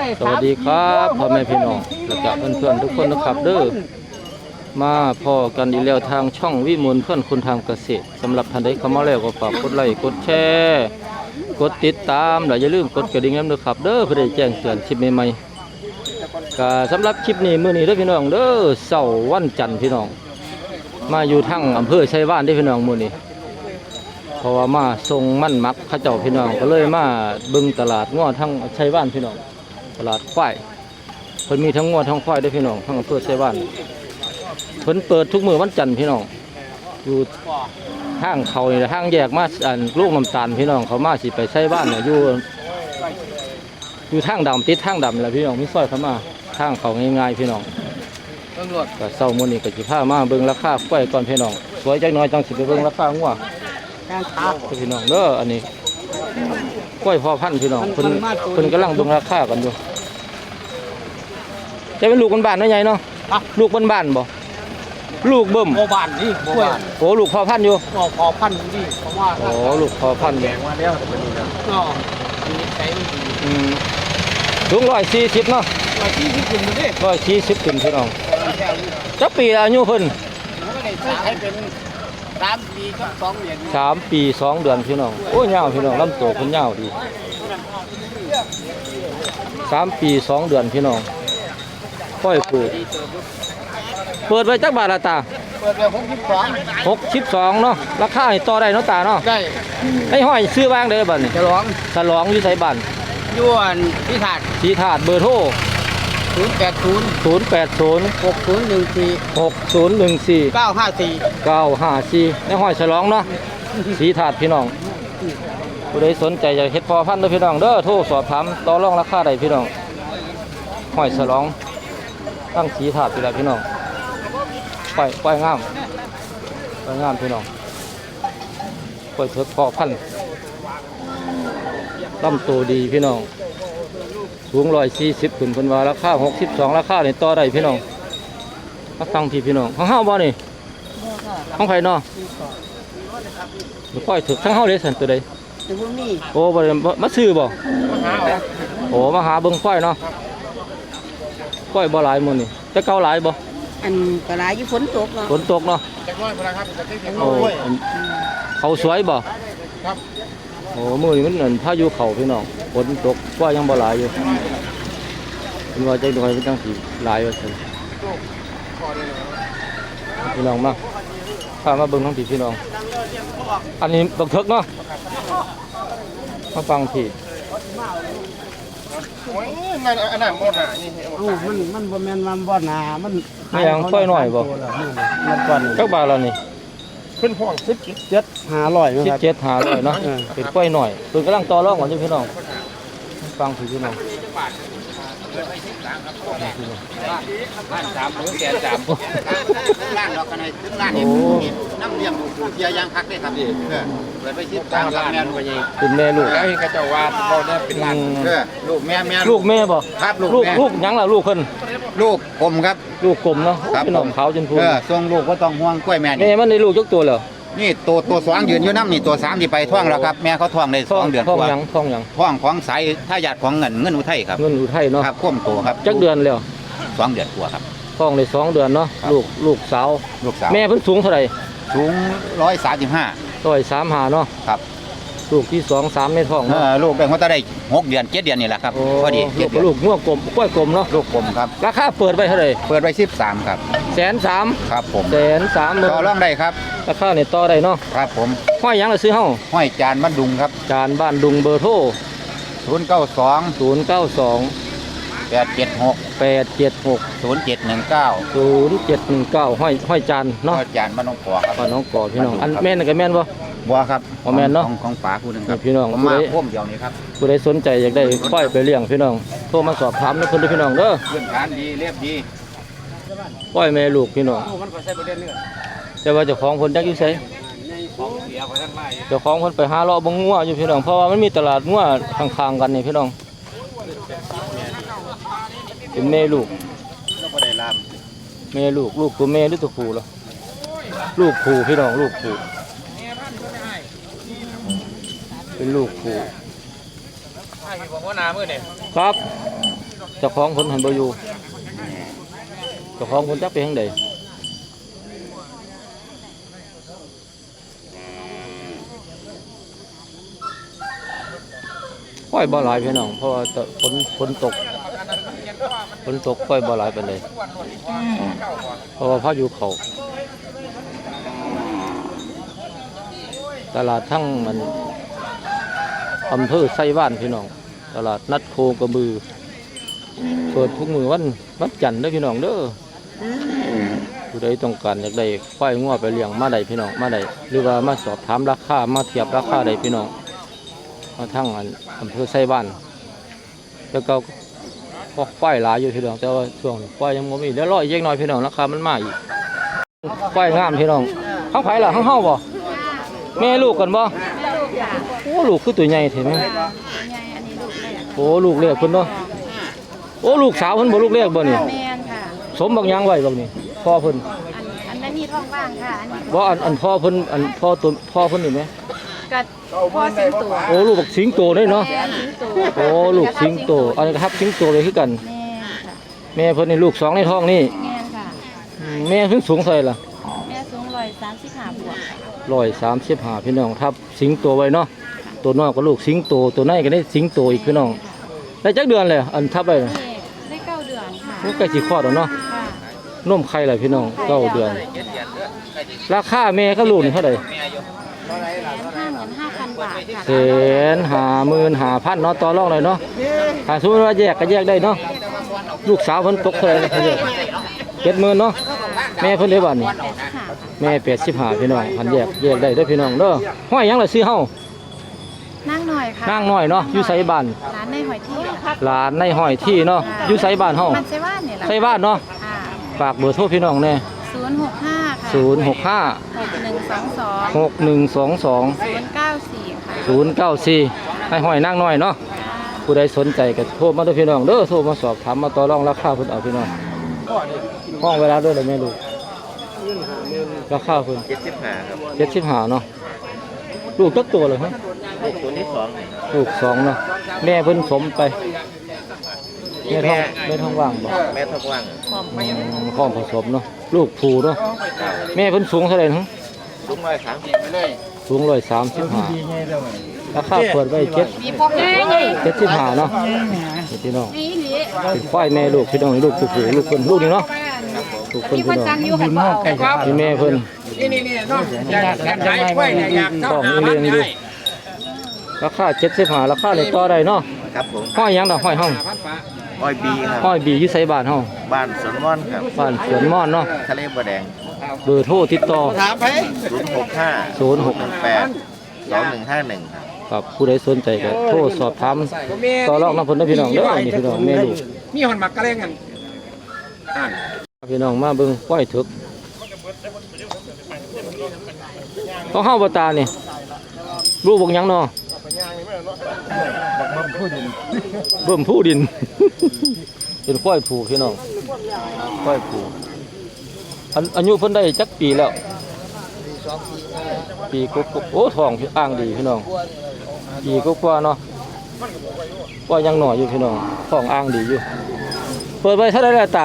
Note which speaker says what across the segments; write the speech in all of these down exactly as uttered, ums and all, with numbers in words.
Speaker 1: สวัสดีครับพ่อแม่พี่น้องและกับเพื่อนๆทุกคนนะครับเด้อมาพอกันอีกแล้วทางช่องวิมลเพื่อนคนทางเกษตรสำหรับท่านใดเข้ามาแล้วก็ฝากกดไลค์กดแชร์กดติดตามและอย่าลืมกดกระดิ่งด้วยครับเด้อเพื่อได้แจ้งเตือนคลิปใหม่ๆก็สำหรับคลิปนี้มื้อนี้เด้อพี่น้องเด้อเสาร์วันจันทร์พี่น้องมาอยู่ทั้งอำเภอชัยวานเด้อพี่น้องมื้อนี้เพราะว่ามาส่งมั่นมักข้าเจ้าพี่น้องก็เลยมาบึงตลาดง้อทั้งชัยวานพี่น้องตลาดควายเพิ่นมีทั้งง้อทั้งควายด้วยพี่น้องทั้งอำเภอชัยวานเพิ่นเปิดทุกมื้อวันจันทร์พี่น้องอยู่ทางเขานี่ทางแยกมาอันลูกน้ำตาลพี่น้องเขามาสิไปชัยวานเนี่ยอยู่อยู่ทางดำติดทางดำแหละพี่น้องมีซอยเข้ามาทางเขาง่ายๆพี่น้องก็เศร้ามื้อนี้ก็สิพามาเบิ่งราคาควายก่อนพี่น้องสวยจักหน่อยจังสิไปเบิ่งราคางัวพี่น้องเด้ออันนี้กล้วยพอพันพี่น้องเพิ่นเพิ่นกำลังเบิ่งราคากันอยู่จะเป็นลูกบ้านๆเนาะใหญ่เนาะลูกบ้านๆบ่ลูกเบิ่ม
Speaker 2: โบบ้านนี่โบบ้าน
Speaker 1: โอ้ลูกพอพันอยู่
Speaker 2: ก็พอพันนี่เพราะว่า
Speaker 1: โอ้ลูกพอพันแดง
Speaker 2: มาแล้วแต่เป็นนี่นะก็มีใจ
Speaker 1: อืมสูงร้อยสี่สิบเนาะ
Speaker 2: ร้อยสี่สิบขึ้นมาดิ
Speaker 1: ร้อยสี่สิบขึ้นพี่น้องจักปีอายุเพิ่น
Speaker 2: ให้เป็นสามปีก็สองเดือน
Speaker 1: สามปีสองเดือนพี่น้องโอ้ยาวพี่น้องลำตัวเพิ่นยาวดีสามปีสองเดือนพี่น้องค่อยปลูกเปิดไว้จักบาทละตา
Speaker 2: เปิดไปหกสิบสอง
Speaker 1: หกสิบสองเนาะราคาให้ต่อได้เนาะตาเนาะ
Speaker 2: ได้
Speaker 1: ไอ้ห้อยซื้อบ้างเด้อบัดนี้
Speaker 2: ฉลอง
Speaker 1: ฉลองอยู่ไสบ้าน
Speaker 2: ยวนพิธา
Speaker 1: สีถาดเบอร์โทร
Speaker 2: ศูนย์แปดศูนย์
Speaker 1: ศูนย์แปดศูนย์
Speaker 2: หกศูนย์หนึ่งสี่
Speaker 1: หกศูนย์หนึ่งสี่
Speaker 2: เก้าห้าสี่
Speaker 1: เก้าห้าสี่ไอ้ห้อยฉลองเนาะสีถาดพี่น้องผู้ใดสนใจจะเฮ็ดพอพันธุ์เด้อพี่น้องเด้อโทรสอบถามต่อรองราคาได้พี่น้องห้อยฉลองตั้งสีถาดไปแล้วพี่น้องปล่อยปล่อยงามปล่อยงามพี่น้องปล่อยเถิดพอพันธุ์ลำตัวดีพี่น้องสูงร้อยสี่สิบขึ้นเป็นว่าราคาหกสิบสองราคาเนี่ยต่อได้พี่น้องมาฟังพี่พี่น้องของห้าบ่นี่ของไผ่เนาะค่อยถึกทั้งห้าเลยสันตัวใดโอ้บ่มาซื้อบ่โอ้มาหาเบิ่งค่อยเนาะค่อยบ่หลายมื้อนี่จะเก่าหลายบ่
Speaker 3: อันก็หลายอยู่ฝนตกเนาะ
Speaker 1: ฝนตกเนาะโอ้เขาสวยบ่
Speaker 2: ครับ
Speaker 1: โอ้มื้อนี้มันเหมือนพายุเข้าพี่น้องฝนตกก็ยังบ่หลายอยู่เป็นว่าใจหน่อยเป็นจังสิหลายว่าซั่นพี่น้องมาพามาเบิ่งทั้งพี่พี่น้องอันนี้บักเถิกเนาะมาฟังพี่
Speaker 2: โอ้ยมันอันนั้นหมดอ่ะนี่
Speaker 3: มันมันบ่แม่นมันบ่หนามัน
Speaker 1: ไม่ยังค่อยหน่อยบ่
Speaker 3: มันก่อน
Speaker 1: จักบาทละนี่
Speaker 2: ขึ้นห้อง
Speaker 3: สิบเจ็ดห้าร้อย
Speaker 1: สิบเจ็ดห้าร้อยเนาะเป็นค่อยหน่อยเพิ่นกำลังต่อรองกันอยู่พี่น้องฟังพี่พี่น้อง
Speaker 2: บ้านสามหมื่นแสนสามล้านดอกกันในถึงล้านนี่น้ำเลี้ยงดูเทียยางพักได้ครับเออเปิดไปสิบสามล้านแม่ลูก
Speaker 1: เป็นแม่ลูก
Speaker 2: แล้วเห็นกระเจ้าว่าเขาเนี่ยเป็นล้านเออลูกแม่แม่
Speaker 1: ลูกแม่บ่
Speaker 2: ครับลูก
Speaker 1: ลูกลูกยังล่ะลูกเพิ่น
Speaker 2: ลูกกลมครับ
Speaker 1: ลูกกลมเนาะพี่น้องขาวจนพูน
Speaker 2: เออส่งลูกก็ต้องห่วงกล้วยแม่
Speaker 1: นี่แม่มันได้ลูกจักตัวเหรอ
Speaker 2: นี่ตัวตัวสองยืนอยู่น้ำนี่ตัวสามที่ไปท่องแล้วครับแม่เขาท่องในสองเดือน
Speaker 1: ท่องยังท่องยัง
Speaker 2: ท่องของสายทายาทของเงินเงินอุทัยครับ
Speaker 1: เงินอุทัยเนาะ
Speaker 2: ครับควบตัวครับ
Speaker 1: จักเดือนแล้ว
Speaker 2: สองเดือนกว่าครับ
Speaker 1: ท่องในสองเดือนเนาะลูกลูกสาว
Speaker 2: ลูกสาว
Speaker 1: แม่เพิ่นสูงเท่าไหร่
Speaker 2: สูงร้อยสามสิบห้า
Speaker 1: ร้อยสามห้าเนาะ
Speaker 2: ครับ
Speaker 1: ลูกที่สองสามในท้อง
Speaker 2: เออลูกได้เขาจะได้หกเดือนเจ็ดเดือนนี่แหละครับพอดี
Speaker 1: ลูกลูกงัวกลมกล้วยกลมเนาะ
Speaker 2: ลูกกลมครับ
Speaker 1: ราคาเปิดไปเท่าไหร่
Speaker 2: เปิดไปสิบสามครับ
Speaker 1: แสนสาม
Speaker 2: ครับผม
Speaker 1: แสนสาม
Speaker 2: ต่อรองได้ครับ
Speaker 1: ราคาเนี่ยต่อได้เนาะ
Speaker 2: ครับผม
Speaker 1: ห้อยยังเราซื้อเฮ้า
Speaker 2: ห้อยจานบ้านดุงครับ
Speaker 1: จานบ้านดุงเบอร์โทร
Speaker 2: ศูนย์เก้าสอง
Speaker 1: ศูนย์เก้าสอง
Speaker 2: แปดเจ็ดหก
Speaker 1: แปดเจ็ดหก
Speaker 2: ศูนย์เจ็ดหนึ่งเก้า
Speaker 1: ศูนย์เจ็ดหนึ่งเก้าห้อยห้อยจานเนาะ
Speaker 2: ห้อยจานบ้านน้องปอครับ
Speaker 1: บ้านน้องปอพี่น้องอันแม่นกับแม่นบ่
Speaker 2: บัวครับ
Speaker 1: ของแม่นเนาะ
Speaker 2: ของป๋าคู่หนึ่งครับ
Speaker 1: พี่น้อง
Speaker 2: มาพ่วงเดียวนี้ครับ
Speaker 1: ผู้ใดสนใจอยากได้ค่อยไปเลี้ยงพี่น้องโทรมาสอบถามนะเพิ่นพี่น้องเด้อ
Speaker 2: เรื่องการดีเรียบดี
Speaker 1: ค่อยแม่ลูกพี่น้องแต่ว่าเจ้าของเพิ่นจักอยู่ไสเจ้าของเพิ่นไปหาเลาะบ่งัวอยู่พี่น้องเพราะว่ามันมีตลาดงัวข้างๆกันนี่พี่น้องเป็นแม่ลูกแม่ลูกลูกตัวแม่หรือตัวผู้ล่ะลูกผู้พี่น้องลูกผู้เป็นลูกผู้
Speaker 2: ให้พี่บอกว่านาเมื่อเนี่ย
Speaker 1: ครับเจ้าของคนหันบ่อยู่เจ้าของคนจักไปทางใดค่อยบ่หลายพี่น้องเพราะว่าฝนฝนตกฝนตกค่อยบ่หลายปานใดเพราะว่าพายุเข้าตลาดทั้งมันอำเภอไส้บ้านพี่น้องตลาดนัดโคกระบือเปิดทุกมื้อวันวันจันทร์เด้อพี่น้องเด้อผู้ใดต้องการอยากได้ควายงัวไปเลี้ยงมาได้พี่น้องมาได้หรือว่ามาสอบถามราคามาเทียบราคาได้พี่น้องมาทั้งอันอำเภอไส้บ้านแล้วก็ก็ควายหลายอยู่พี่น้องแต่ว่าช่วงควายยังบ่มีเดี๋ยวรออีกเล็กน้อยพี่น้องราคามันมาอีกควายงามพี่น้องข้างไผล่ะข้างเฮาบ่แม่ลูกกันบ่โอ้ลูกคือตัวใหญ่เห็นไหมโอ้ลูกเล็กเพิ่นเนาะโอ้ลูกสาวเพิ่นบ่ลูกเล็กบ่นี่
Speaker 4: แม่นค่ะ
Speaker 1: สมบักยังไว้บักนี่พ่อเพิ่น
Speaker 4: อันอันนั้นมีท้องว่างค่ะ อันนี้
Speaker 1: บ่อันอันพ่อเพิ่นอันพ่อตัวพ่อเพิ่นนี่ไหม
Speaker 4: กัดพ่อสิงโต
Speaker 1: โอ้ลูกบักสิงโตได้เนาะ
Speaker 4: แม่สิงโต
Speaker 1: โอ้ลูกสิงโตอันนี้ก็ทับสิงโตเลยคือกัน
Speaker 4: แม่ค่ะ
Speaker 1: แม่เพิ่นนี่ลูกสองในท้องนี่
Speaker 4: แม่นค่ะ
Speaker 1: อืมแม่เพิ่นสูงเท่าไหร่ล่ะ
Speaker 4: แม่สูงร้อยสามสิบห้าบวก
Speaker 1: ร้อยสามสิบห้าพี่น้องทับสิงโตไว้เนาะตัวน้อยก็ลูกสิงโตตัวในก็ได้สิงโตอีกพี่น้องได้จักเดือนเลยอันทับไป
Speaker 4: นี่ได้เก้าเดือนค่ะ
Speaker 1: มันใกล้สิคลอดแล้วเนาะ
Speaker 4: ค่ะ
Speaker 1: นมไข่เลยพี่น้องเก้าเดือน ราคาแม่ก็ลูกนี่เท่าไหร่
Speaker 4: แสนห้าหมื่นห้าพันบาทค่ะ
Speaker 1: แสนห้าหมื่นห้าพันเนาะต่อรองเลยเนาะถ้าสมมติว่าแยกก็แยกได้เนาะลูกสาวเพิ่นตกเท่าไหร่เจ็ดหมื่นเนาะแม่เพิ่นได้บ้านนี่
Speaker 4: ค่ะ
Speaker 1: แม่แปดสิบห้าพี่น้องพันแยกแยกได้เด้อพี่น้องเด้อห้อยหยังล่ะซื้อเฮา
Speaker 4: นั่งหน่อยค่ะ
Speaker 1: นางน้อยเนาะอยู่ไสบ้าน
Speaker 4: ร้านในหอยที่ค่ะ
Speaker 1: หลานในห้อยที่เนาะอยู่ไสบ้านเฮา
Speaker 4: มันใช่ว่านเนี่ยแหละ
Speaker 1: ไสบ้านเนาะ
Speaker 4: ค่ะ
Speaker 1: ฝากเบอร์โทรพี่น้องแน่
Speaker 4: ศูนย์หกห้าค่ะ
Speaker 1: ศูนย์หกห้า
Speaker 4: หกหนึ่งสองสอง
Speaker 1: หกหนึ่งสองสอง
Speaker 4: ศูนย์เก้าสี่ค่ะ
Speaker 1: ศูนย์เก้าสี่ให้ห้อยนางน้อยเนาะผู้ใดสนใจก็โทรมาเด้อพี่น้องเด้อโทรมาสอบถามมาต่อรองราคาเพิ่นเอาพี่น้องห้องเวลาด้วยเลยแม่ลูกราคาเพิ่น
Speaker 2: เจ็ดสิบห้าครับ
Speaker 1: เจ็ดสิบห้าเนาะลูกตักตัวเลยฮะ
Speaker 2: ลูกตัวที่สอง
Speaker 1: ลูกสองเนาะแม่เพิ่นสมไปแม่ท้องแม่ท้องว่างบ่
Speaker 2: แม่ทบว่าง
Speaker 1: ข้อผสมเนาะลูกผูเนาะแม่เพิ่นสูงเท่าไหร่ฮะ
Speaker 2: ลุงร้อยสามสิบไปเลย
Speaker 1: สูงร้อยสามสิบห้าราคาเปิดไว้เจ็ด
Speaker 4: มีพวกนี้นี่
Speaker 1: เจ็ดสิบห้าเนาะนี่พี่น้อง
Speaker 4: นี่นี่
Speaker 1: เป็นควายแม่ลูกพี่น้องลูกผู้ผูลูกเพิ่นลูกนี่เนาะลูกเพิ่น
Speaker 4: มีค
Speaker 1: พี่
Speaker 4: น
Speaker 1: น้อง
Speaker 4: สั่งอยู่ค่ะ
Speaker 1: นี่แม่เพิ่น
Speaker 5: นี่นี่นี่น้องอยากอยากขายกล้วยเนี่ยอยากเท่า
Speaker 1: ของ
Speaker 5: หา
Speaker 1: นี่
Speaker 5: พั
Speaker 1: เลี้
Speaker 5: น
Speaker 1: ยงอยู่
Speaker 5: ได้
Speaker 1: ราคาเจ็ดสิบห้าราคาเลยต่อได้เนาะ
Speaker 2: ครับผม
Speaker 1: ห้อยหยังดอกห้อยเฮา
Speaker 5: พันฝา
Speaker 2: อ้อยบีครับ
Speaker 1: ห้อยบีอยู่ไสบ้านเฮา
Speaker 2: บ้านสวนม่อนครับ
Speaker 1: บ้านสวนม่อนเนาะ
Speaker 2: ทะเลบัวแดง
Speaker 1: เบอร์โทรติดต่อ
Speaker 5: ถามไป
Speaker 2: ศูนย์หกห้า
Speaker 1: ศูนย์หก
Speaker 2: หนึ่งแปดสองหนึ่งห้าหนึ่งครับ
Speaker 1: ครับผู้ใดสนใจก็โทรสอบถามต่อรองน้ำเพิ่นนะพี่น้องเด้อนี่พี่น้องแม่ลูก
Speaker 5: มีหอนหมักกระเลงกันอ่าน
Speaker 1: พี่น้องมาเบิ่งควายถึกต้องเฮาบ่ตานี่ลูกบ่หยังเนาะเบิ่มผู้ดิน เป็นควายผูพี่น้องควายผูอันอายุเพิ่นได้จักปีแล้วปีกว่าๆโอ้ท้องอ่างดีพี่น้องปีกว่าๆเนาะว่ายังหน่อยอยู่พี่น้องท้องอ่างดีอยู่เปิดไว้เท่าไหร่แล้วตา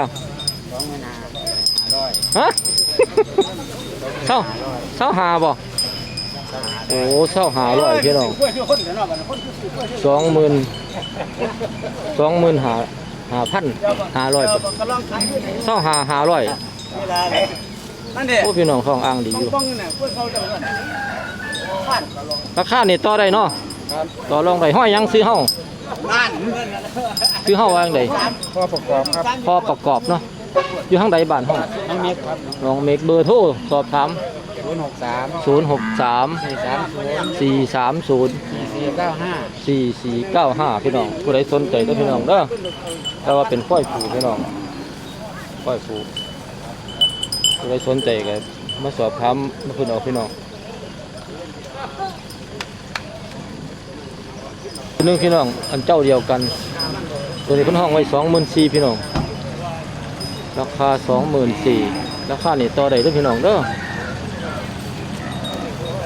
Speaker 1: ฮะ เศร้าเศร้าหาบ่โอ้เศร้าหาร้อยพี่น้องสองหมื่นสองหมื่นหาหาพันหาร้อยเศร้าหาหาร้อย
Speaker 5: นั่นเด็
Speaker 1: โอ้พี่น้องท้องอ่างดีอยู่
Speaker 5: ป้องเนี่ยพวกเขาจะ
Speaker 1: ราคานี่ต่อได้เนาะต่อรองได้ห้อยหยังซื้อเฮา
Speaker 5: บ้าน
Speaker 1: ซื้อเฮาว่าจังได
Speaker 5: พอประกอบครับ
Speaker 1: พอประกอบเนาะอยู่ทางใดบ้านเฮา
Speaker 5: น้องเมฆครับ
Speaker 1: ลองเมกเบอร์โทรสอบถาม
Speaker 5: ศูนย์หกสาม
Speaker 1: ศูนย์หกสาม
Speaker 5: สี่สามศูนย์
Speaker 1: สี่สามศูนย์
Speaker 5: สี่เก้าห้า
Speaker 1: สี่สี่เก้าห้าพี่น้องผู้ใดสนใจก็พี่น้องเด้อแต่ว่าเป็นฝ้อยผูพี่น้องฝ้อยผูผู้ใดสนใจก็มาสอบถามมาเพิ่นเอาพี่น้องตัวหนึงพี่น้องอันเจ้าเดียวกันตัวนี้เพิ่นห้องไว้สองหมื่นสี่พี่น้องราคาสองหมื่นสี่ราคานี่ต่อได้เด้อพี่น้องเด้อ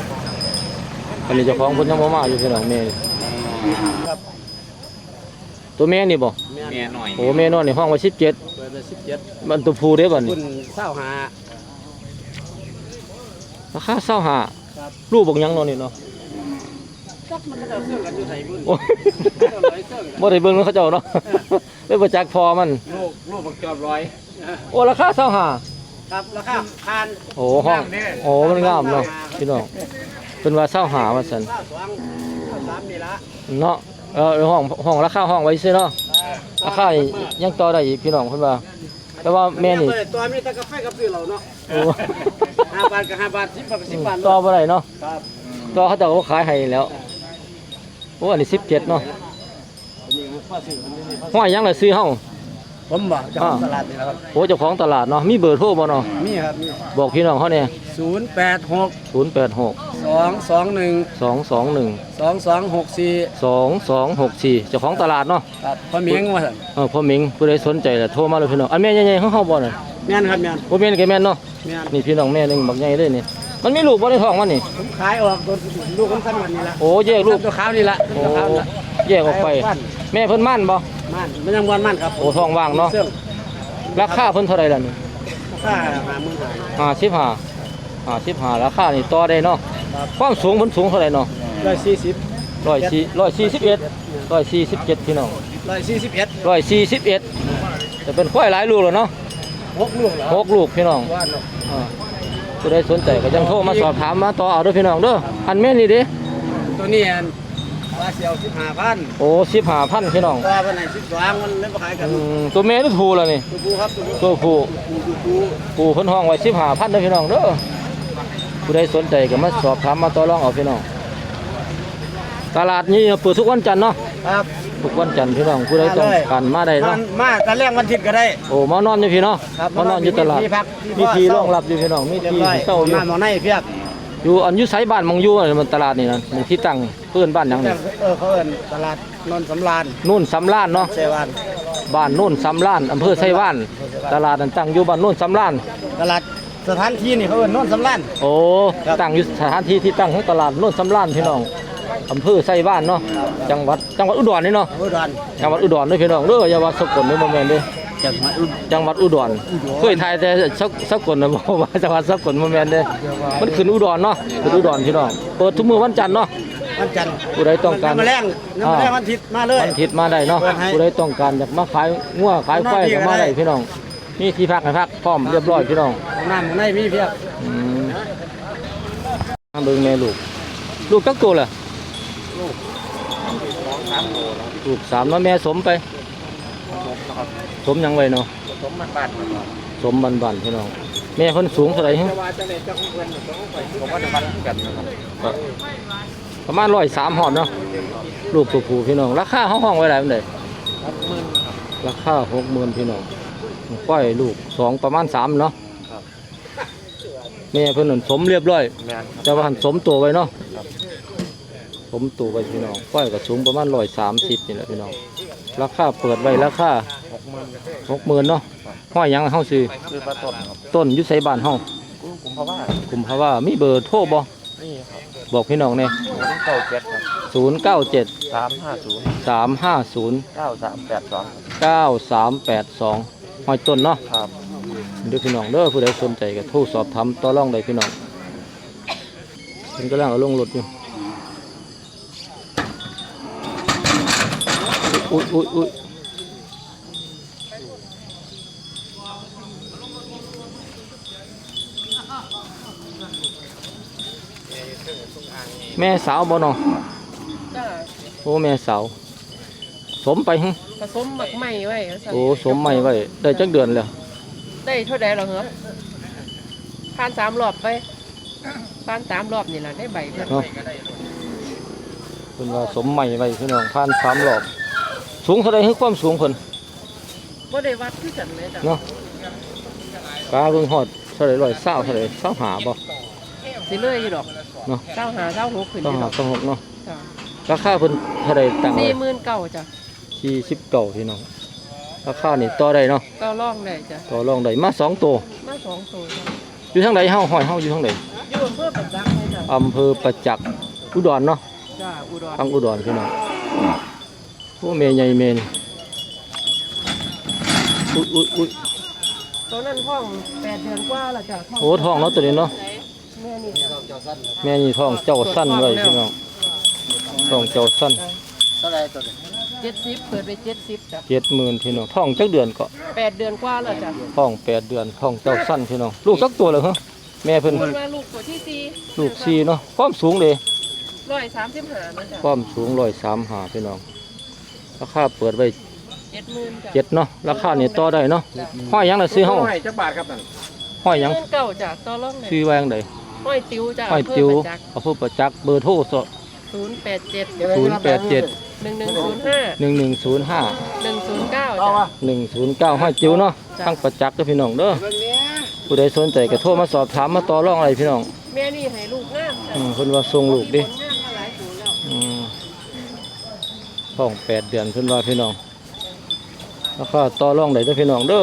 Speaker 1: อันนี้เจ้าของเพิ่นยังบ่มาอยู่พี่น้องแม่ ตตัวแม่นี่บ่
Speaker 2: แม่หน่อย
Speaker 1: โอ้แม่นอนในห้องไว้สิบเจ็ด
Speaker 3: เปิดไปสิบเจ็ด
Speaker 1: มันตัวผู้เด้บ่นี่
Speaker 3: คุณเศร้าหา
Speaker 1: ราคาเศร้าหา
Speaker 3: ครับ
Speaker 1: ลูกบอกหยังเนอนนี่เนาะ
Speaker 3: จักมันก็เสื่อมกันอยู่ไทยบุญ
Speaker 1: โอ้ยบ่ได้เบิ่งเขาเจ้าเนาะไปประจักษ์พอมัน
Speaker 3: ลูกลูกบักจอบร้อย
Speaker 1: โอ้ราคาเศร้าหา
Speaker 3: ครับราคาพัน
Speaker 1: โอ้ห้องโอ้มันงามเนาะพี่น้องเป็นว่าเศร้าหาว่าซั่น
Speaker 3: เศร้าสองเศร้าสามนี่ละ
Speaker 1: เนาะเออห้องห้องราคาห้องไว้ซื่อเนาะราคานี่ยังต่อได้อีกพี่น้องเพิ่นว่า แต่ว่าแม่นี่
Speaker 3: เปิดตัวมีแต่กาแฟกับซื้อเราเนาะ
Speaker 1: โอ้
Speaker 3: ห้าบาทกับห้าบาทสิบบาทกับสิบบาท
Speaker 1: ต่อบ่ได้เนาะ
Speaker 3: ครับ
Speaker 1: ต่อเขาเจ้าก็ขายให้แล้วโอ้อันนี้สิบเจ็ดเนาะ
Speaker 3: นี่ข้อซื้อมันนี่ข้อ
Speaker 1: ห้อยหยังล่ะซื้อเฮา
Speaker 3: ผมบอกเจ้าของตลาดนี่แหละครับ
Speaker 1: โอ้เจ้าของตลาดเนาะมีเบอร์โทรบ่เนาะ
Speaker 3: มีครับมี
Speaker 1: บอกพี่น้องเขาเนี่ย
Speaker 3: ศูนย์แปดหก
Speaker 1: ศูนย์แปดหก
Speaker 3: สองสองหนึ่ง
Speaker 1: สองสองหนึ่ง
Speaker 3: สองสองหกสี่
Speaker 1: สองสองหกสี่เจ้าของตลาดเนาะ
Speaker 3: ครับพ่อเมียงว่าสั่น
Speaker 1: เออพ่อหมิงผู้ใดสนใจล่ะโทรมาเลยพี่น้องอันแม่ใหญ่ๆเขาเฮาบ่น่ะ
Speaker 3: แม่นครับแม่น
Speaker 1: บ่แม่นก็แม่นเนาะ
Speaker 3: แม่น
Speaker 1: นี่พี่น้องแม่หนึงบักใหญ่เลยนี่มันมีลูกบ่ในท้องมันนี่
Speaker 3: ผมขายออกตัวลูกผมสั้นวันนี้ละ
Speaker 1: โอ้แยกลูก
Speaker 3: ตัวขาวนี่ละ
Speaker 1: โอ้
Speaker 3: ตัวขาวนี่ละ
Speaker 1: แยกออกไป แม่เพิ่นมั่นบ่
Speaker 3: มันมันยังวันมันครับ
Speaker 1: โอ้ท้องว่างเนาะ
Speaker 3: เสื่อม
Speaker 1: ราคาเพิ่นเท่าไหร่ล่ะนี่
Speaker 3: ค่าหาหมื่นหาย
Speaker 1: ห้าสิบห้า ห้าสิบห้าราคานี่ต่อได้เนาะความสูงเพิ่นสูงเท่าไหร่เนาะ
Speaker 3: ร้อยสี่สิบ
Speaker 1: ร้อยสี่ร้อยสี่สิบเอ็ดร้อยสี่สิบเจ็ดพี่น้อง
Speaker 3: ร้อยสี่สิบเอ็ด
Speaker 1: ร้อยสี่สิบเอ็ดจะเป็นควายหลายลูกแล้วเนาะ
Speaker 3: หกลูกเหรอ
Speaker 1: หกลูกพี่น้อง
Speaker 3: ว่าเนาะ
Speaker 1: อ่าผู้ใดสนใจก็ยังโทรมาสอบถามมาต่อเอาเด้วยพี่น้องเด้ออันแม่นี่เด้
Speaker 3: ตัวนี้อันว่าเสียวสิบห้าพัน
Speaker 1: โอ้สิบห้าพันพี่น้อง
Speaker 3: ตัวเป็นไหนสิบสองมันเล่นขายกัน
Speaker 1: อืมตัวแม่ตัวผู้แล้วนี่
Speaker 3: ตัวผู้ครับตัวผู้
Speaker 1: ตัวผู้
Speaker 3: ตัวผู้
Speaker 1: ผู้เพิ่นห้องไว้สิบห้าพันเด้อพี่น้องเด้อผู้ใดสนใจก็มาสอบถามมาต่อรองเอาพี่น้องตลาดนี้เปิดทุกวันจันทร์เนาะ
Speaker 3: ครับ
Speaker 1: ทุกวันจันทร์พี่น้องผู้ใดต้องการมาได้
Speaker 3: มั
Speaker 1: เนาะ
Speaker 3: นมาตะแรกวันอาทิตย์ก็ได้
Speaker 1: โอ้มานอนอยู่พี่เนาะ
Speaker 3: ครับ
Speaker 1: มานอนอยู่ตลาด
Speaker 3: มีที่พัก
Speaker 1: มี
Speaker 3: ที่
Speaker 1: ที่
Speaker 3: พ่อ
Speaker 1: รองรับอยู่พี่น้องมี
Speaker 3: เรียบ
Speaker 1: ที่
Speaker 3: ร้อย
Speaker 1: เศร้าอยู่
Speaker 3: น้ำหมอในเพียบ
Speaker 1: อยู่อันอยู่ไสบ้านมองอยู่อะมันตลาดนี่นะหมู่ที่ตั้งเพื่อนบ้านหยังนี่
Speaker 3: เออเขาเอิ้นตลาดนนท์สำราญ
Speaker 1: นู่นสำล้านเนาะ
Speaker 3: เซวัน
Speaker 1: บ้านนู่นสำล้านอำเภอไชว่านตลาดนั้นตั้งอยู่บ้านนู่นสำล้าน
Speaker 3: ตลาดสถานที่นี่เขาเอิ้นนนท์สำราญ
Speaker 1: โอ้
Speaker 3: ครับ
Speaker 1: ตั้งอยู่สถานที่ที่ตั้งของตลาดนู่นสำล้านพี่น้องอำเภอไชว่านเนาะจังหวัดจังหวัดอุดรนี่เนาะ
Speaker 3: อุดร
Speaker 1: จังหวัดอุดรเด้อพี่น้องเด้ออย่าว่าสกลเด้อบ่แม่นเด้อ
Speaker 3: จังหวัดอุดร
Speaker 1: จังหวัดอุดรเคยถ่ายแต่สกสกลน่ะบ่ว่าจังหวัดสกลบ่แม่นเด้อมันขึ้นอุดรเนาะขึ้นอุดรพี่น้องเปิดทุกมื้อวันจันทร์เนาะ
Speaker 3: วันจันทร์
Speaker 1: ผู้ใดต้องการ
Speaker 3: น้ำแมลงน้ำแมลงวันอาทิตย์มาเลย
Speaker 1: วันอาทิตย์มาได้เนาะ
Speaker 3: เปิดให้
Speaker 1: ผู้ใดต้องการอยากมาขายงัวขายควายก็มาได้พี่น้องนี่ที่พักให้พักพร้อมเรียบร้อยพี่น้อง
Speaker 3: น้ำหมอในมีเพียบ
Speaker 1: อืมมาเบิ่งแม่ลูก ลูกกักตัวเหรอลูกสามเนาะแม่สมไป สมหยังไว้เนาะ
Speaker 5: สมมันบาท
Speaker 1: สมบันๆพี่น้องแม่เพิ่นสูงเท่าไหร่ฮะ
Speaker 5: ว่าจะเลยเจ้าของเพื่อนผมว่าจะมันกันนะครับ
Speaker 1: ประมาณร้อยสามหอดเนาะลูกตัวผู้พี่น้องราคาห้องห้องไว้หลายปานใด
Speaker 5: ครับหมื่น
Speaker 1: ราคาหกหมื่นพี่น้องก้อยลูกสองประมาณสามเนาะแม่เพิ่นนั่นสมเรียบร้อย
Speaker 5: แม่น
Speaker 1: แต่ว่าหันสมตัวไว้เนาะสมตัวไว้พี่น้องก้อยก็สูงประมาณร้อยสามสิบนี่แหละพี่น้องราคาเปิดไว้ราคา
Speaker 5: หกหมื่น
Speaker 1: หกหมื่นเนาะห้อยหยังเฮาซื้อ
Speaker 5: คือประตนครับ
Speaker 1: ต้นอยุไสบ้านเฮา
Speaker 5: กู้กุมภาวะ
Speaker 1: กลุ่มภาวะมีเบอร์โทรบ่
Speaker 5: นี่ครับ
Speaker 1: บอกพี่น้องแน่
Speaker 5: ศูนย์เก้าเจ็ดครับ
Speaker 1: ศูนย์เก้าเจ็ด
Speaker 5: สามห้าศูนย์
Speaker 1: สามห้าศูนย์
Speaker 5: เก้าสามแปดสอง
Speaker 1: เก้าสามแปดสองห้อยต้นเนาะ
Speaker 5: ครับ
Speaker 1: เด้อพี่น้องเด้อผู้ใดสนใจก็โทรสอบถามต่อรองได้พี่น้องเพิ่นกำลังเอาลงรถอยู่อุ้ยอุ้ยอุ้ยแม่สาวบ่เนาะ
Speaker 6: จ้า
Speaker 1: โอ้แม่สาวสมไปหึ
Speaker 6: ผสมหมักไหม้ไว้แล้วสั่ง
Speaker 1: โอ้สมใหม่ไว้ได้จักเดือนแล้ว
Speaker 6: ได้เท่าใดเหรอเหรอผ่านสามรอบไปผ่านสามรอบนี่แหละได้ใบเพิ่น
Speaker 1: เนาะเพิ่นว่าสมใหม่ไว้พี่น้องผ่านสามรอบสูงเท่าใดคือความสูงเพิ่น
Speaker 6: บ่ได้วัดคือกันเลยจ้ะ
Speaker 1: เนาะกาเบิ่งฮอดเท่าใดร้อยเศร้าเท่าใดเศร้าหาบ่
Speaker 6: สิเลยอยู่ดอก
Speaker 1: เนาะ
Speaker 6: เก้าหาเก้าหกขึ้นอ
Speaker 1: เศร้า
Speaker 6: ยู่
Speaker 1: หา
Speaker 6: ดอก
Speaker 1: เศร้าหกเนาะ
Speaker 6: จ้ะ
Speaker 1: ราคาเพิ่นเท่าใดตั้งไว้
Speaker 6: สี่หมื่นเก้าจ้ะ
Speaker 1: สี่สิบเก้าพี่น้องราคานี่ต่อได้เนาะ
Speaker 6: เก้าล่องได้จ้ะ
Speaker 1: ต่อรองได้มาสองตัว
Speaker 6: มาสองตัวจ้ะ
Speaker 1: อยู่ทางใดเฮาห้อยเฮาอยู่ทางใด
Speaker 6: อยู่อำเภอปัจจักเลยจ้ะ
Speaker 1: อำเภอประจักษ์อุดรเนาะ
Speaker 6: จ้าอุดร
Speaker 1: ทางอุดรพี่น้องโอ้เมย์ใหญ่เมย์นี่อุ้ยอุ้ยอุ้ย
Speaker 6: ตัวนั้นท้องแปดเดือนกว่าแล้วจ้ะ
Speaker 1: โอ้ท้องเนาะตัวนี้เนาะ
Speaker 6: แม่นี่จ้ะ
Speaker 1: แม่นี่ท้องเจ้าสั้นไว้พี่น้องท้องเจ้าสั้น
Speaker 3: เท่าไรตัวนี้
Speaker 6: เจ็ดสิบเปิดไปเจ็ดสิบจ้ะ
Speaker 1: เจ็ดหมื่นพี่น้องท้องจักเดือนก็
Speaker 6: แปดเดือนกว่าแล้วจ้ะ
Speaker 1: ท้องแปดเดือนท้องเจ้าสั้นพี่น้องลูกจักตัวเลยเหรอแม่เพิ่น
Speaker 6: คนว่าลูกตัวที่สี่
Speaker 1: ลูกสี่เนาะความสูงเลย
Speaker 6: ร้อยสามสิบห้านะจ้ะ
Speaker 1: ความสูงร้อยสามหาพี่น้องราคาเปิดไว้
Speaker 6: เจ็ดหมื่นจ้ะ
Speaker 1: เจ็ดเนาะราคานี่ต่อได้เนาะห้อยหยังน่ะซื้อเฮา
Speaker 5: ให้จักบาทครับนั่น
Speaker 1: ห้อยหยัง
Speaker 6: เงินเก่าจ้ะต่อรองเลย
Speaker 1: ซื้อไว้จังได
Speaker 6: ห้อยติ๋วจ้ะ
Speaker 1: ห้อยติวเอาผู้ประจักษ์เบอร์โทรส
Speaker 6: ศูนย์แปดเจ็ด
Speaker 1: ศูนย์แปดเจ็ด
Speaker 6: หนึ่งหนึ่งศูนย์ห้า
Speaker 1: หนึ่งหนึ่งศูนย์ห้า
Speaker 6: หนึ่งศูนย์เก้าจ้ะ
Speaker 1: หนึ่งศูนย์เก้าห้อยจิ๋วเนาะทั้งประจักษ์เด้อพี่น้องเด้อผู้ใดสนใจก็โทรมาสอบถามมาต่อรองอะไรพี่น้อง
Speaker 6: แม่นี่ให้ลูกงามจ้ะ
Speaker 1: อืมเพิ่นว่าส่งลูกดิ
Speaker 6: ผลงามมาหลายตัวแล้ว
Speaker 1: อืมท้องแปดเดือนเพิ่นว่าพี่น้องราคาต่อรองได้เด้อพี่น้องเด้อ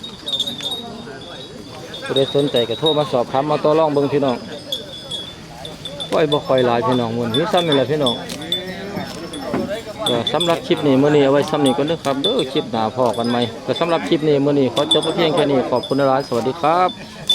Speaker 1: ผู้ใดสนใจก็โทรมาสอบถามมาต่อรองเบิ่งพี่น้องปล่อยบ่ค่อยหลายพี่น้องมื้อนี้ซ้ำนี่แหละพี่น้องก็สำหรับคลิปนี้มื้อนี้เอาไว้ซ้ำนี้ก่อนเด้อครับเด้อคลิปหน้าพอกันใหม่ก็สำหรับคลิปนี้มื้อนี้ขอจบไว้เพียงแค่นี้ขอบคุณหลายๆสวัสดีครับ